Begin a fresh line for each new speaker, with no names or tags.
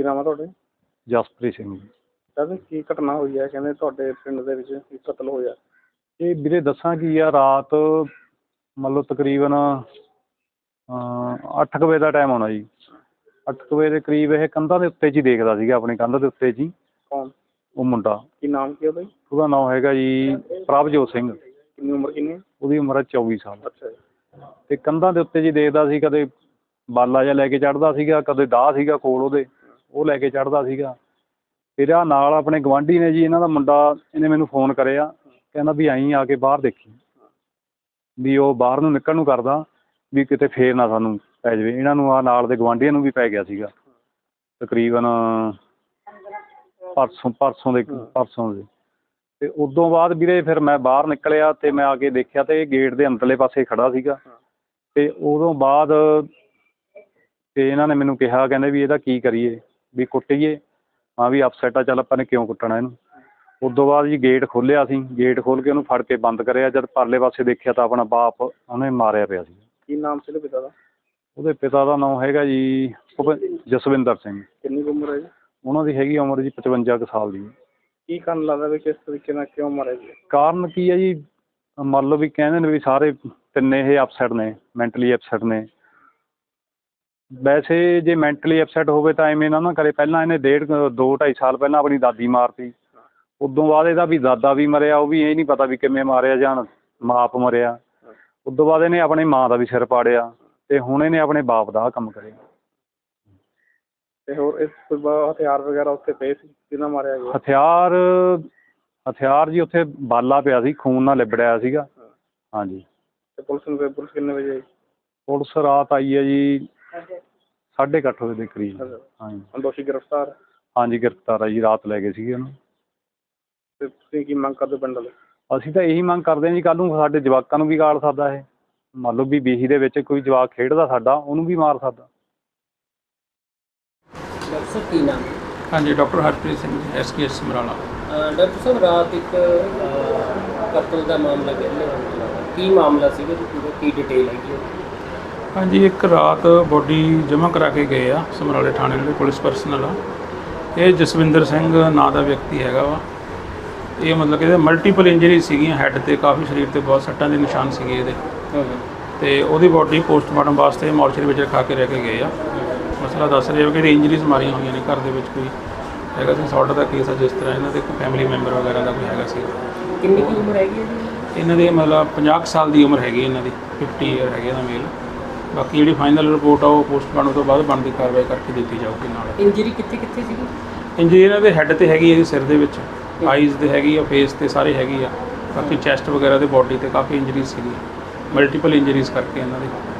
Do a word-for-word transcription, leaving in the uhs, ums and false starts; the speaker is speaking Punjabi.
ਕੀ ਨਾਮ ਆ ਤੁਹਾਡੇ?
ਜਸਪ੍ਰੀਤ ਸਿੰਘ ਜੀ।
ਸਰ ਕੀ ਘਟਨਾ ਹੋਈ ਹੈ? ਕਹਿੰਦੇ ਤੁਹਾਡੇ ਪਿੰਡ ਦੇ ਵਿੱਚ ਕੀ ਕਤਲ ਹੋਇਆ?
ਇਹ ਵੀਰੇ ਦੱਸਾਂ ਕੀ ਆ, ਰਾਤ ਮੰਨ ਲਓ ਤਕਰੀਬਨ ਅੱਠ ਕੁ ਵਜੇ ਦਾ ਟਾਈਮ ਹੋਣਾ ਜੀ। ਅੱਠ ਕੁ ਵਜੇ ਦੇ ਕਰੀਬ ਇਹ ਕੰਧਾਂ ਦੇ ਉੱਤੇ 'ਚ ਹੀ ਦੇਖਦਾ ਸੀਗਾ, ਆਪਣੀ ਕੰਧ ਦੇ ਉੱਤੇ 'ਚ ਹੀ।
ਕੌਣ?
ਉਹ ਮੁੰਡਾ।
ਕੀ ਨਾਮ ਕੀ ਉਹਦਾ ਜੀ?
ਉਹਦਾ ਨਾਮ ਹੈਗਾ ਜੀ ਪ੍ਰਭਜੋਤ ਸਿੰਘ।
ਕਿੰਨੀ ਉਮਰ ਕਿੰਨੀ?
ਉਹਦੀ ਉਮਰ ਹੈ ਚੌਵੀ ਸਾਲ।
ਅੱਛਾ ਜੀ।
ਅਤੇ ਕੰਧਾਂ ਦੇ ਉੱਤੇ 'ਚ ਹੀ ਦੇਖਦਾ ਸੀ, ਕਦੇ ਬਾਲਾ ਜਿਹਾ ਲੈ ਕੇ ਚੜ੍ਹਦਾ ਸੀਗਾ, ਕਦੇ ਦਾਹ ਸੀਗਾ ਕੋਲ ਉਹਦੇ, ਉਹ ਲੈ ਕੇ ਚੜ੍ਹਦਾ ਸੀਗਾ। ਫਿਰ ਆਹ ਨਾਲ ਆਪਣੇ ਗੁਆਂਢੀ ਨੇ ਜੀ, ਇਹਨਾਂ ਦਾ ਮੁੰਡਾ, ਇਹਨੇ ਮੈਨੂੰ ਫੋਨ ਕਰਿਆ, ਕਹਿੰਦਾ ਵੀ ਆਈਂ ਆ ਕੇ ਬਾਹਰ ਦੇਖੀ, ਵੀ ਉਹ ਬਾਹਰ ਨੂੰ ਨਿਕਲਣ ਨੂੰ ਕਰਦਾ ਵੀ ਕਿਤੇ ਫੇਰ ਨਾ ਸਾਨੂੰ ਪੈ ਜਾਵੇ। ਇਹਨਾਂ ਨੂੰ ਆਹ ਨਾਲ ਦੇ ਗੁਆਂਢੀਆਂ ਨੂੰ ਵੀ ਪੈ ਗਿਆ ਸੀਗਾ ਤਕਰੀਬਨ ਪਰਸੋਂ ਪਰਸੋਂ ਦੇ ਪਰਸੋਂ ਦੇ ਅਤੇ ਉਦੋਂ ਬਾਅਦ ਵੀਰੇ ਫਿਰ ਮੈਂ ਬਾਹਰ ਨਿਕਲਿਆ ਅਤੇ ਮੈਂ ਆ ਕੇ ਦੇਖਿਆ ਤਾਂ ਇਹ ਗੇਟ ਦੇ ਅੰਦਰਲੇ ਪਾਸੇ ਖੜ੍ਹਾ ਸੀਗਾ। ਅਤੇ ਉਦੋਂ ਬਾਅਦ ਅਤੇ ਇਹਨਾਂ ਨੇ ਮੈਨੂੰ ਕਿਹਾ, ਕਹਿੰਦੇ ਵੀ ਇਹਦਾ ਕੀ ਕਰੀਏ, ਵੀ ਕੁੱਟੀਏ? ਹਾਂ ਵੀ ਅਪਸੈਟ ਆ, ਚੱਲ ਆਪਾਂ ਨੇ ਕਿਉਂ ਕੁੱਟਣਾ ਇਹਨੂੰ। ਉਦੋਂ ਬਾਅਦ ਜੀ ਗੇਟ ਖੋਲ੍ਹਿਆ ਸੀ, ਗੇਟ ਖੋਲ੍ਹ ਕੇ ਉਹਨੂੰ ਫੜ ਕੇ ਬੰਦ ਕਰਿਆ। ਜਦ ਪਰਲੇ ਪਾਸੇ ਦੇਖਿਆ ਤਾਂ ਆਪਣਾ ਬਾਪ ਉਹਨੇ ਮਾਰਿਆ ਪਿਆ ਸੀ।
ਕੀ ਨਾਮ ਸੀ ਉਹਦੇ ਪਿਤਾ ਦਾ?
ਉਹਦੇ ਪਿਤਾ ਦਾ ਨਾਮ ਹੈਗਾ ਜੀ ਜਸਵਿੰਦਰ ਸਿੰਘ।
ਕਿੰਨੀ ਕੁ ਉਮਰ ਹੈ ਜੀ? ਉਹਨਾਂ
ਦੀ ਹੈਗੀ ਉਮਰ ਜੀ ਪਚਵੰਜਾ ਕੁ ਸਾਲ ਦੀ।
ਕੀ ਕਾਰਨ ਲੱਗਦਾ ਵੀ ਕਿਸ ਤਰੀਕੇ ਨਾਲ ਕਿਉਂ ਮਾਰਿਆ ਜੀ?
ਕਾਰਨ ਕੀ ਹੈ ਜੀ, ਮੰਨ ਲਓ ਵੀ ਕਹਿੰਦੇ ਨੇ ਵੀ ਸਾਰੇ ਤਿੰਨੇ ਇਹ ਅਪਸੈਟ ਨੇ, ਮੈਂਟਲੀ ਅਪਸੈਟ ਨੇ। ਵੈਸੇ ਜੇ ਮੈਂਟਲੀ ਅਪਸੈਟ ਹੋਵੇ ਤਾਂ ਐਵੇਂ ਨਾ ਨਾ ਕਰੇ। ਪਹਿਲਾਂ ਇਹਨੇ ਡੇਢ ਦੋ ਢਾਈ ਸਾਲ ਪਹਿਲਾਂ ਆਪਣੀ ਦਾਦੀ ਮਾਰਤੀ। ਉਦੋਂ ਬਾਅਦ ਇਹਦਾ ਵੀ ਦਾਦਾ ਵੀ ਮਰਿਆ, ਉਹ ਵੀ ਇਹ ਨਹੀਂ ਪਤਾ ਵੀ ਕਿਵੇਂ ਮਾਰਿਆ ਜਾਂ ਮਾਪ ਮਰਿਆ। ਉਦੋਂ ਬਾਅਦ ਇਹਨੇ ਆਪਣੀ ਮਾਂ ਦਾ ਵੀ ਸਿਰ ਪਾੜਿਆ ਅਤੇ ਹੁਣ ਇਹਨੇ ਆਪਣੇ ਬਾਪ ਦਾ ਆਹ ਕੰਮ ਕਰਿਆ।
ਅਤੇ ਹੋਰ ਇਸ ਤੋਂ ਬਾਅਦ ਹਥਿਆਰ ਵਗੈਰਾ ਉੱਥੇ ਪਏ ਸੀ? ਕਿਹਨਾਂ ਮਾਰਿਆ ਗਿਆ?
ਹਥਿਆਰ ਹਥਿਆਰ ਜੀ ਉੱਥੇ ਬਾਲਾ ਪਿਆ ਸੀ, ਖੂਨ ਨਾਲ ਲਿਬੜਿਆ ਸੀਗਾ। ਹਾਂਜੀ।
ਅਤੇ ਪੁਲਿਸ ਨੂੰ ਪੁਲਿਸ ਕਿੰਨੇ ਵਜੇ ਆਈ?
ਪੁਲਿਸ ਰਾਤ ਆਈ ਹੈ ਜੀ ਸਾਢੇ ਕੁ ਅੱਠ ਵਜੇ ਦੇ ਕਰੀਬ। ਹਾਂਜੀ।
ਦੋਸ਼ੀ ਗ੍ਰਿਫਤਾਰ? ਹਾਂਜੀ
ਗ੍ਰਿਫਤਾਰ ਆ ਜੀ, ਰਾਤ ਲੈ ਗਏ ਸੀਗੇ ਉਹਨੂੰ।
ਅਤੇ ਤੁਸੀਂ ਕੀ ਮੰਗ ਕਰਦੇ ਪਿੰਡ ਵਾਲੇ?
ਅਸੀਂ ਤਾਂ ਇਹੀ ਮੰਗ ਕਰਦੇ ਹਾਂ ਜੀ, ਕੱਲ੍ਹ ਨੂੰ ਸਾਡੇ ਜਵਾਕਾਂ ਨੂੰ ਵੀ ਗਾਲ ਸਕਦਾ ਇਹ। ਮੰਨ ਲਓ ਵੀ ਬੀਹੀ ਦੇ ਵਿੱਚ ਕੋਈ ਜਵਾਕ ਖੇਡਦਾ ਸਾਡਾ, ਉਹਨੂੰ ਵੀ ਮਾਰ ਸਕਦਾ।
ਡਾਕਟਰ ਸਾਹਿਬ ਕੀ ਨਾਮ?
ਹਾਂਜੀ, doctor Harpreet Singh, S K S Samrala.
Doctor ਸਾਹਿਬ ਰਾਤ ਇੱਕ ਕਤਲ ਦਾ ਮਾਮਲਾ ਕਹਿੰਦੇ, ਕੀ ਮਾਮਲਾ ਸੀਗਾ ਜੀ ਪੂਰਾ, ਕੀ ਡਿਟੇਲ ਹੈਗੀ?
ਹਾਂਜੀ, ਇੱਕ ਰਾਤ ਬੋਡੀ ਜਮ੍ਹਾਂ ਕਰਾ ਕੇ ਗਏ ਆ ਸਮਰਾਲੇ ਥਾਣੇ ਦੇ ਪੁਲਿਸ ਪਰਸਨਲ ਆ। ਇਹ ਜਸਵਿੰਦਰ ਸਿੰਘ ਨਾਂ ਦਾ ਵਿਅਕਤੀ ਹੈਗਾ ਵਾ। ਇਹ ਮਤਲਬ ਕਿ ਇਹਦੇ ਮਲਟੀਪਲ ਇੰਜਰੀ ਸੀਗੀਆਂ, ਹੈੱਡ 'ਤੇ ਕਾਫੀ, ਸਰੀਰ 'ਤੇ ਬਹੁਤ ਸੱਟਾਂ ਦੇ ਨਿਸ਼ਾਨ ਸੀਗੇ ਇਹਦੇ। ਅਤੇ ਉਹਦੀ ਬੋਡੀ ਪੋਸਟਮਾਰਟਮ ਵਾਸਤੇ ਮੋਰਚਰੀ ਵਿੱਚ ਰਖਾ ਕੇ ਰਹਿ ਕੇ ਗਏ ਆ। ਮਸਲਾ ਦੱਸ ਰਹੇ ਹੋ ਕਿ ਇਹਦੀ ਇੰਜਰੀਜ਼ ਮਾਰੀਆਂ ਹੋਈਆਂ ਨੇ, ਘਰ ਦੇ ਵਿੱਚ ਕੋਈ ਹੈਗਾ ਸੀ ਸੌਟ ਦਾ ਕੇਸ ਆ, ਜਿਸ ਤਰ੍ਹਾਂ ਇਹਨਾਂ ਦੇ ਕੋਈ ਫੈਮਿਲੀ ਮੈਂਬਰ ਵਗੈਰਾ ਦਾ ਕੋਈ ਹੈਗਾ ਸੀ।
ਕਿੰਨੀ ਕੀ ਉਮਰ ਹੈਗੀ ਹੈ ਜੀ
ਇਹਨਾਂ ਦੇ? ਮਤਲਬ ਪੰਜਾਹ ਕੁ ਸਾਲ ਦੀ ਉਮਰ ਹੈਗੀ ਇਹਨਾਂ ਦੀ, ਫਿਫਟੀ ਈਅਰ ਹੈਗੇ ਇਹਦਾ ਮੇਲ। ਬਾਕੀ ਜਿਹੜੀ ਫਾਈਨਲ ਰਿਪੋਰਟ ਆ ਉਹ ਪੋਸਟਮਾਰਟਮ ਤੋਂ ਬਾਅਦ ਬਣਦੀ ਕਾਰਵਾਈ ਕਰਕੇ ਦਿੱਤੀ ਜਾਊਗੀ। ਨਾਲ
ਇੰਜਰੀ ਕਿੱਥੇ ਕਿੱਥੇ ਸੀਗੀ?
ਇੰਜਰੀ ਇਹਨਾਂ ਦੇ ਹੈੱਡ 'ਤੇ ਹੈਗੀ, ਇਹਦੇ ਸਿਰ ਦੇ ਵਿੱਚ, ਆਈਜ਼ 'ਤੇ ਹੈਗੀ ਆ, ਫੇਸ 'ਤੇ ਸਾਰੇ ਹੈਗੀ ਆ। ਬਾਕੀ ਚੈਸਟ ਵਗੈਰਾ ਦੇ ਬੋਡੀ 'ਤੇ ਕਾਫੀ ਇੰਜਰੀਜ਼ ਸੀਗੀ, ਮਲਟੀਪਲ ਇੰਜਰੀਜ਼ ਕਰਕੇ ਇਹਨਾਂ ਦੇ।